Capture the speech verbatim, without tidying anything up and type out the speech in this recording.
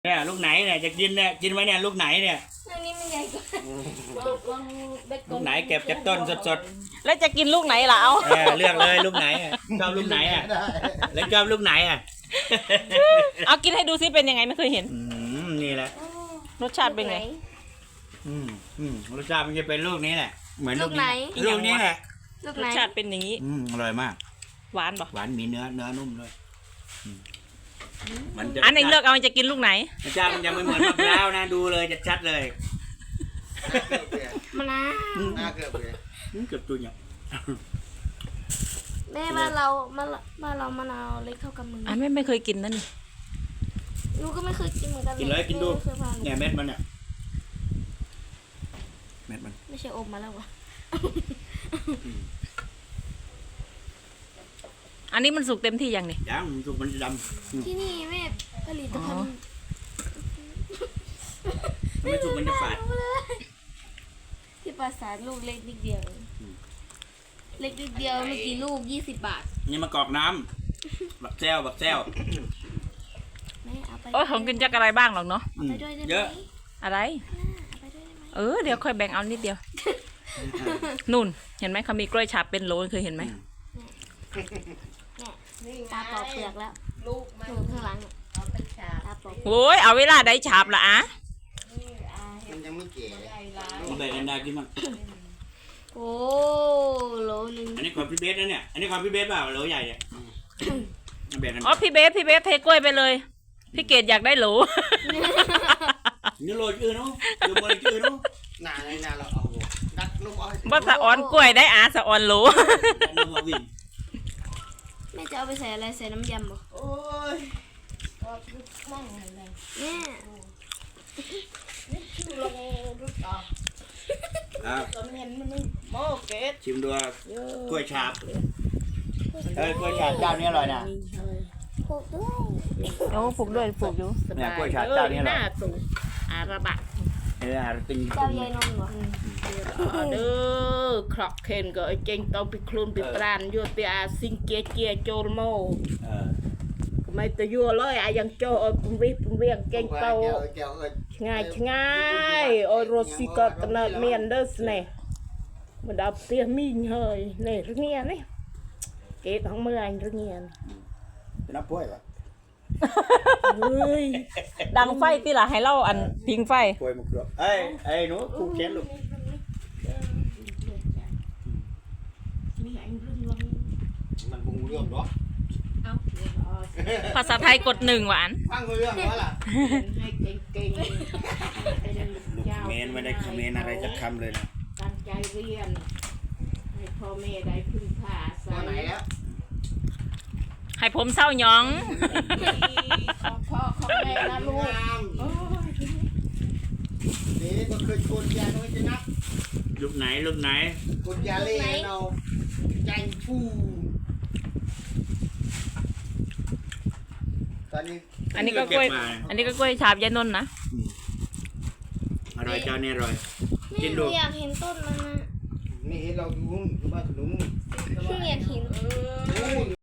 เนี่ยลูกไหนเนี่ยจะกินเนี่ยกินไหมเนี่ยลูกไหนเนี่ยอันนี้มันใหญ่กว่าลูกไหนเก็บจากต้นสดแล้วจะกินลูกไหนล่ะเอาๆเออเลือกเลยลูกไหนอะชอบลูกไหนอ่ะแล้วชอบลูกไหนอ่ะเอากินให้ดูซิเป็นยังไงไม่เคยเห็นอืมนี่แหละรสชาติเป็นไงอืมอืมรสชาติมันจะเป็นลูกนี้แหละเหมือนลูลูกกไหนนี้ลูกนี้แหละลูกรไหนสชาติเป็นอย่างนี้อืมอร่อยมากหวานปะหวานมีเนื้อเนื้อนุ่มด้วยอืมมันจะอันไหนเลือกเอาจะกินลูกไหนรสชาติมันยังไม่เหมือนมะพร้าวนะดูเลยจะชัดเลยมะนาวหน้าเกือบเลยอืมเกือบตัวเนี่ยแม่บ้านเราบ้านเราบ้านเรามะนาวเล็กเท่ากับมืออันไม่ไม่เคยกินนั่นนี่หนูก็ไม่เคยกินเหมือนกันกินเลยกินดูไม่เคยพาหนูเนี่ยเม็ดมันเนี่ยเม็ดมันไม่ใช่อมมาแล้ววะอันนี้มันสุกเต็มที่ยังนี่ยังมันสุกมันจะดำอืมที่นี่แม่ผลิตภัณฑ์มันไม่สุกมันจะฝาดที่ปราสาทลูกเล็กนิดเดียวอืมเล็กนิดเดียวเมื่อกี้ลูกยี่สิบบาทนี่มากอกน้ำบักแซวบักแซวแม่เอาไปโอ้ยของกินจักอะไรบ้างหรอกเนาะอืมไปด้วยได้ไหมเยอะอะไรเอาไปด้วยได้ไหมเออเดี๋ยวค่อยแบ่งเอานิดเดียว นู่นเห็นไหมเขามีกล้วยฉาบเป็นโหลเคยเห็นไหมเนี่ยตาปอกเปลือกแล้วลูกข้างหลังเนี่ยตาปอกโอ้ยเอาเวลาได้ฉาบละอะมันยังไม่เก๋มาแบ่งกันได้กินมั้งโอ้โหลหนึงอันนี้ของพี่เบสนะเนี่ย อันนี้ของพี่เบสเปล่าโหลใหญ่เนี่ยมาแบ่งกันอ๋อพี่เบสพี่เบสเทกล้วยไปเลย พี่เกดอยากได้โหลนี่โหลจืดเนาะดูมันจืดเนาะหน้าในหน้าเราเอาดักลูกอ้อยว่าสะออนกล้วยได้อาสะออนโหลอันนี้มาวิ่งแม่จะเอาไปใส่อะไรใส่น้ำยำเหรอโอ้ยแม่อ่ะชิมดูกล้วยฉาบเอ้ยกล้วยฉาบเจ้านี้อร่อยนะโขกด้วยโอ้ผูกด้วยผูกอยู่เนี่ยกล้วยฉาบเจ้านี้อร่อยอาระบะเออติงเจ้ายายนมเหรอเด้อครอกเคนก็เจงต้องไปคลุนไปปรานยัวเตียซิงเกียเกียโจลโมเออไม่ตัวยัวเลยอะยังโจเออปุ่มวิปุ่มเวียงเก่งโตแก้วแก้วเอ้ยง่ายง่ายโอ้โรสิก็ตเนิดเมียนเดอสเนี่ยมันดับเตียมีเฮยเนี่ยรึเงี้ยนี่เกตของเมื่อไงรึเงี้ยจะนับป่วยปะเฮ้ยดังไฟตีละให้เล่าอันพิงไฟป่วยหมดเลยเอ้ยเอ้ยหนูผูกแขนลูกมันปรุงเรื่องเนาะภาษาไทยกดหนึ่งหวานฟังเรื่องแล้วล่ะให้เก่งเมนไม่ได้เมนอะไรจะคำเลยนะตั้งใจเรียนให้พ่อแม่ได้พึ่งพาตัวไหนแล้วให้ผมเศร้าหยองของพ่อของแม่นะลูกนี่ก็เคยชวนยาโน้ยจะนักลูกไหนลูกไหนกดยาเล่เราใจฟูตอนนี้อันนี้ก็กล้วย อันนี้ก็กล้วยฉาบยายนนท์นะอร่อยเจ้านี่อร่อยแม่กินหดูนูอยากเห็นต้นมันนะนี่เห็นเราอยู่บ้านขนุนหนูอยากเห็น